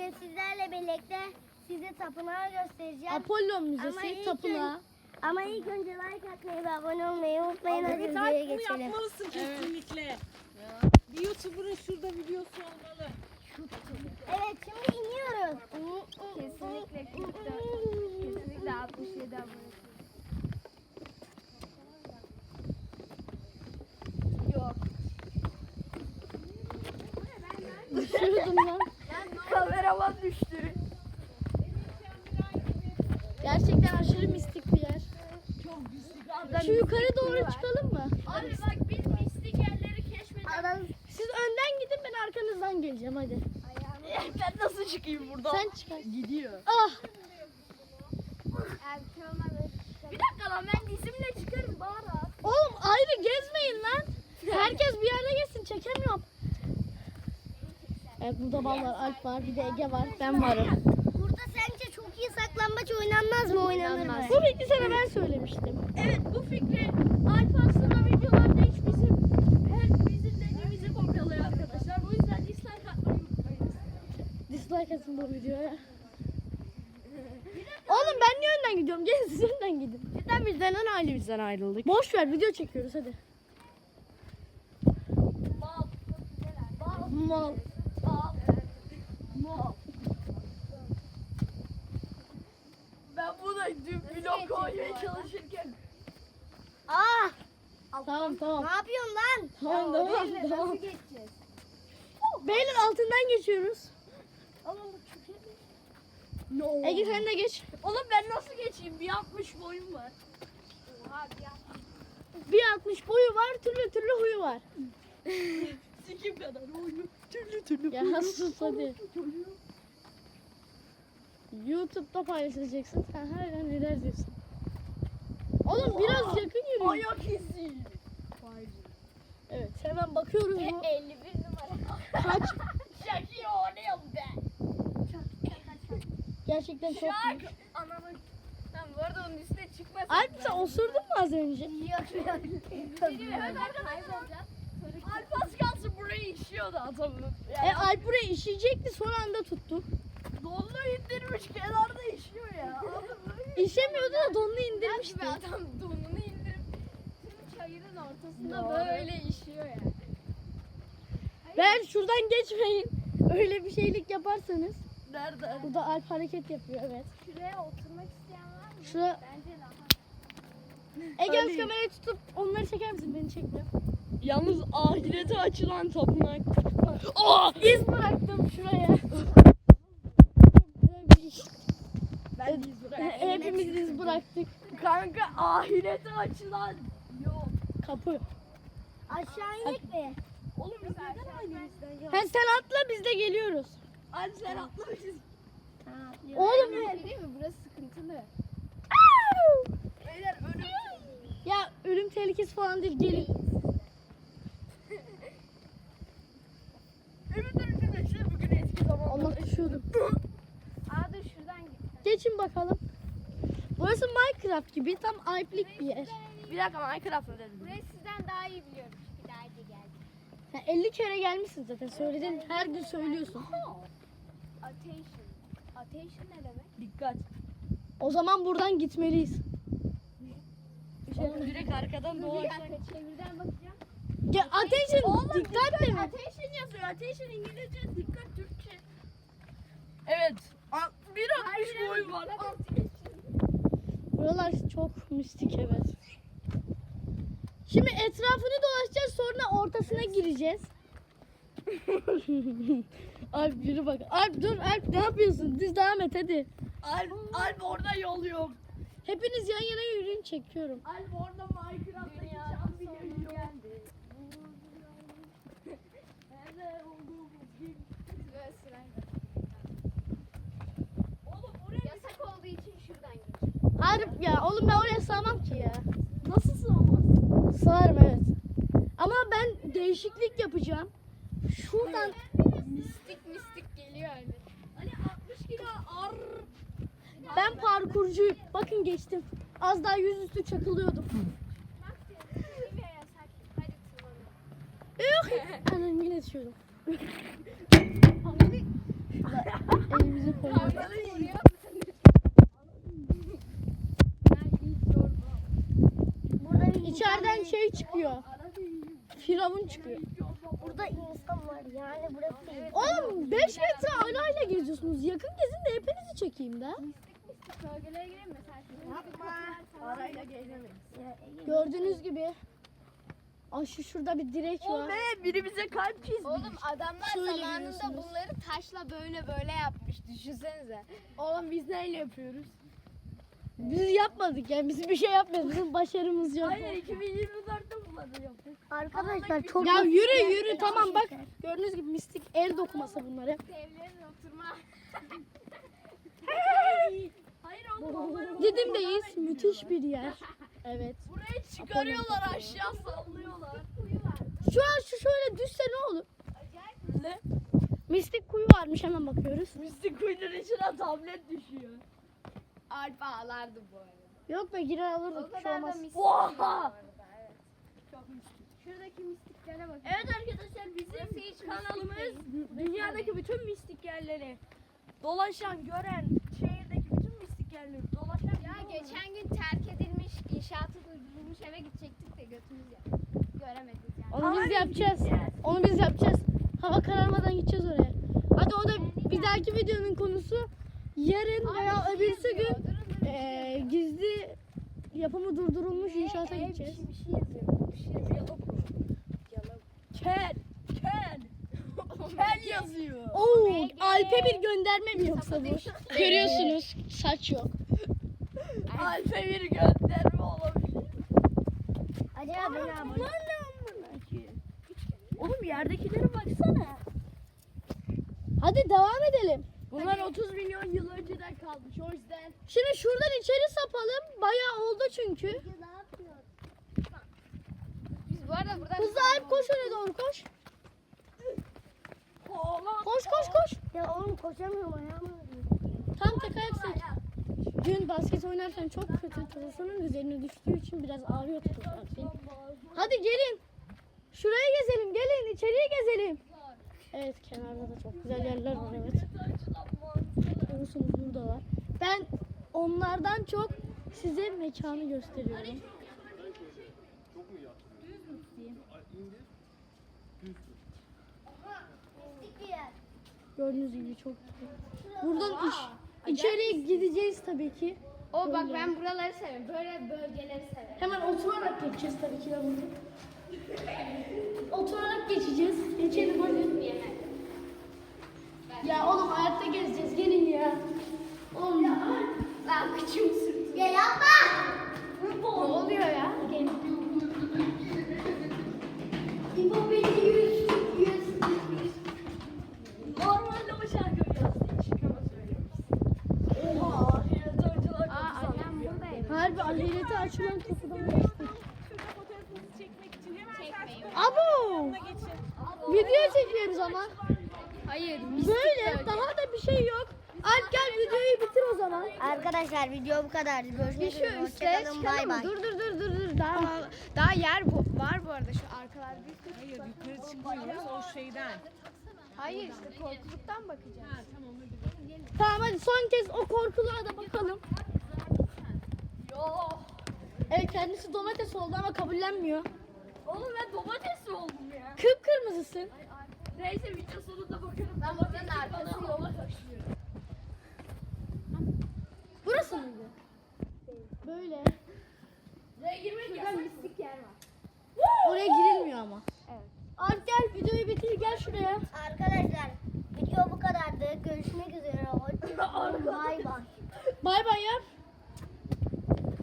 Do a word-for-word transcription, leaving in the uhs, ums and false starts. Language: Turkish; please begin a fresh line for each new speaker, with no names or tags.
Bugün sizlerle birlikte size tapınağı göstereceğim.
Apollon
Ama
Müzesi
ilk
tapınağı.
Ama ilk önce like atmayı ve abone olmayı unutmayın. Hadi
Evet,
videoya
Alp bunu
geçelim.
yapmalısın kesinlikle. Bir YouTuber'ın şurada videosu olmalı.
Evet, şimdi iniyoruz.
Kesinlikle kırkta. Kesinlikle altmış yedi abone. Yok.
Düşürdüm lan.
Kameraman düştü.
Gerçekten aşırı mistik bir yer.
Çok güzel.
Şu yukarı doğru çıkalım mı?
Abi bak biz mistik yerleri keşfedelim.
Siz önden gidin, ben arkanızdan geleceğim hadi.
Ben nasıl çıkayım buradan?
Sen çıkar.
Gidiyor.
Ah!
Bir dakika lan ben dizimle çıkarım bari.
Oğlum ayrı gezmeyin lan. Herkes bir yerde gezsin, çekemiyorum. Evet, burada vallahi Alp var, bir de Ege var, ben varım.
Burada sence çok iyi saklambaç oynanmaz mı? Oynanır mı?
Bu bilgi sana ben söylemiştim.
Evet bu fikri Alp aslında videolarda hiç bizim her bizim dediğimizi kopyalıyor arkadaşlar. Bu yüzden dislike atmayı unutmayın.
Dislike atın bu videoya. Oğlum ben niye önden gidiyorum? Gelin siz önden gidin.
Neden biz neden ailemizden ayrıldık?
Boş ver, video çekiyoruz hadi.
Bal. Bal.
Mal.
Bal. Bal.
Ben buna dün blok koymaya çalışırken.
Aa!
Tamam tamam.
Ne yapıyorsun lan?
Tamam tamam
Neyle
tamam.
nasıl geçeceğiz?
Beyler altından geçiyoruz.
Oğlum bu çok iyi.
No.
Ege sen de geç.
Oğlum ben nasıl geçeyim? Bir altmış boyum var.
Oha bir an.
Bir altmış boyu var, türlü türlü huyu var.
Sikim kadar oyunu. Türlü türlü.
Ya sus hadi. YouTube'da paylaşacaksın. Sen hala neler diyorsun? Oğlum biraz yakın yürü.
Ayak izi.
Evet, hemen bakıyoruz bu
elli bir numara.
kaç.
Şakir oynayalım ben.
Gerçekten çok büyük.
Anamın. Ben bu arada onun üstüne çıkmasın.
Alp sen osurdun mu az önce?
Yok yok. Hemen kaybolacağım.
Alp az kalsın burayı işiyordu adamın.
E Alp buraya işeyecekti, son anda tuttu.
Donlu indirmiş kenarda işiyor ya.
İşemiyordu da donunu indirmişti.
Be adam donunu indirip tüm çayırın ortasında
Doğru.
böyle işiyor ya.
Ben şuradan geçmeyin. Öyle bir şeylik yaparsanız.
Nerede?
Burada Alp hareket yapıyor, evet.
Şuraya oturmak isteyen var mı?
Şuraya
Bence daha.
Ege
Ali.
az kamerayı tutup onları çeker misin? Beni çekme.
Yalnız ahirete açılan tapınak. Oh!
İz bıraktım şuraya.
Ben iz bırak.
Hepimiz iz bıraktık.
Kanka ahirete açılan yok.
Kapı.
Aşağı inek mi?
Oğlum biz neden ailemizden ya?
Ha, sen atla, biz de geliyoruz.
Hadi sen atla biz.
Oğlum
Değil mi? Burası sıkıntılı.
Beyler ölüm.
ya ölüm tehlikesi falan değil, gelin.
Ümit dönüşünde işte bugün eski zaman.
Allah düşüyordum.
Aa dur şuradan git.
Geçin bakalım. Burası Minecraft gibi tam Alp'lik bir yer.
Bir dakika Minecraft'ta dedim.
Burayı sizden daha iyi biliyorum. Çünkü daha önce geldim.
Ya elli kere gelmişsin zaten, söyledin, her gün söylüyorsun.
Attention. Attention ne demek?
Dikkat.
O zaman buradan gitmeliyiz.
Oğlum direkt arkadan
Bir
dolaşsak.
dakika çevirden bakacağım.
Ya attention, dikkat demek.
Attention yazıyor. Attention İngilizce, dikkat Türkçe. Evet. A- bir altmış boy var.
Buralar çok mistik, evet. Şimdi etrafını dolaşacağız, sonra ortasına gireceğiz. Alp yürü bak. Alp dur, Alp ne yapıyorsun? Düz devam et hadi.
Alp, Alp orada yol yok.
Hepiniz yan yana yürüyün, çekiyorum.
Alp orada Minecraft'taki can biliyor geldi. Nerede olduğumuz gibi.
Böyle sırayla.
Oğlum oraya
Yasak olduğu için şuradan git.
Alp ya oğlum, ben oraya sığamam ki ya.
nasıl sığamaz?
Sığarım, evet. Ama ben değişiklik yapacağım. Şuradan
Mistik mistik geliyor öyle.
Hani altmış kilo ar.
ben parkurcuyum. Bakın geçtim. Az daha yüzüstü çakılıyordum.
Bak diyorum. Şuraya yasak. Hadi tırmanalım.
Yok. Anam yine düşüyordum. firavun çıkıyor.
Burada insan var yani burası değil.
Oğlum beş metre arayla geziyorsunuz. Yakın gezin de hepinizi çekeyim de.
Bölgelere girelim mi sen?
Arayla gezemeyiz.
Gördüğünüz gibi. Ay şu şurada bir direk
O
var.
ne? Biri bize kalp çizmiş.
Oğlum adamlar
Şöyle
zamanında
görüyorsunuz.
bunları taşla böyle böyle yapmış. Düşünsenize.
Oğlum biz neyle yapıyoruz?
Biz yapmadık yani biz bir şey yapmadık. Bizim başarımız yok.
Hayır iki bin yirmi dörtte bunları yaptık.
Arkadaşlar çok
Ya yürü yürü tamam bak. Gördüğünüz gibi mistik el dokuması bunlar hep.
Evlerin oturma.
Hayır oğlum onları
Didim'deyiz. Müthiş bir yer. Evet.
buraya çıkarıyorlar aşağı sallıyorlar.
Şu an şu şöyle düşse ne olur?
Ne?
Mistik kuyu varmış hemen bakıyoruz.
Mistik kuyunun içine tablet düşüyor.
Alp ağlardı bu arada.
Yok be girer
O
alırdık bir şey
kadar da
olmaz.
mistik.
Oha!
değil bu arada, evet.
Çok mistik.
Şuradaki mistiklere bakın.
Evet arkadaşlar bizim
hiç
kanalımız
mistik değil.
dünyadaki bütün mistik yerleri dolaşan, gören, şehirdeki bütün mistik yerleri dolaşan.
Ya geçen gün terk edilmiş, inşaatı durdurulmuş eve gidecektik de götümüz ya. Göremedik yani.
Onu biz
Hayır,
yapacağız.
gideceğiz.
Onu biz yapacağız. Hava kararmadan gideceğiz oraya. Hadi o da bir dahaki videonun konusu. Yarın veya öbürsü gün eee, gizli yapımı durdurulmuş inşaata gideceğiz.
Bir şey yazıyor. Bir şey yazıyor.
Kel, kel. Kel yazıyor.
Oo, Alp'e bir gönderme mi yoksa bu? Görüyorsunuz saç yok.
Alfe bir gönderme olabilir.
Acaba beni abone.
Bunlar ne amına ki? Oğlum yerdekilere baksana.
Hadi devam edelim.
Bunlar otuz milyon yıl önceden kalmış o yüzden.
Şimdi şuradan içeri sapalım. Bayağı oldu çünkü.
Ne yapıyor?
Biz bu arada buradan...
Hızlı Alp koş oraya doğru koş.
Oğlan.
Koş koş koş.
Ya oğlum koşamıyorum ayağım ağrıyor.
Tam tek ayak seç. Dün basket oynarken çok kötü telefonun üzerine düştüğü için biraz ağrıyor tutuyor. Hadi gelin. Şuraya gezelim gelin içeriye gezelim. Evet kenarda da çok güzel yerler var evet. Görüyorsunuz buradalar. Ben onlardan çok size mekanı gösteriyorum. Gördüğünüz gibi çok güzel. Buradan iç, içeriye gideceğiz tabii ki.
O bak ben buraları severim. Böyle bölgeleri severim.
Hemen oturarak geçeceğiz tabii ki de bunu. Oturarak geçeceğiz. Geçelim hadi. Ya oğlum hayatta gezeceğiz. Gelin ya. Oğlum ya.
Lan kıçım sürtüyor.
Ya yapma.
Ne oluyor ya?
İbo beni yüz yüz.
Normalde o şarkıyı yazdı. Hiç ama söylemiş. Oha. Ahiretörcüler
Aa annem buradayım.
Harbi ahirete açılan kapıdan geçtik.
Şurada fotoğrafınızı çekmek için hemen
Çekmeyin.
Abo!
geçin.
Video çekiyoruz ama.
Hayır.
Böyle daha da bir şey yok. Alp gel videoyu bitir o zaman.
Arkadaşlar video bu kadardı. Görüşmek üzere. Hoşçakalın. Bay bay.
Dur dur dur dur dur. Daha
Daha, daha yer bu, var bu arada şu arkalarda.
Hayır yukarı çıkmıyoruz o şeyden.
Hayır işte korkuluktan bakacağız.
Ha tamam hadi.
Tamam hadi son kez o korkuluğa da bakalım.
Yo.
Evet kendisi domates oldu ama kabullenmiyor.
Oğlum ben domates oldum ya.
Kıpkırmızısın.
Neyse video sonunda bakarım.
Ben buradan arkası
Bana
yok.
hava taşıyor.
Burası mıydı? Böyle.
Buraya girmek yasak.
Mistik yer var.
Oraya girilmiyor ama.
Evet.
Alp gel videoyu bitir gel şuraya.
Arkadaşlar video bu kadardı. Görüşmek üzere. Hoşçakalın. Bay bay.
Bay bay yap.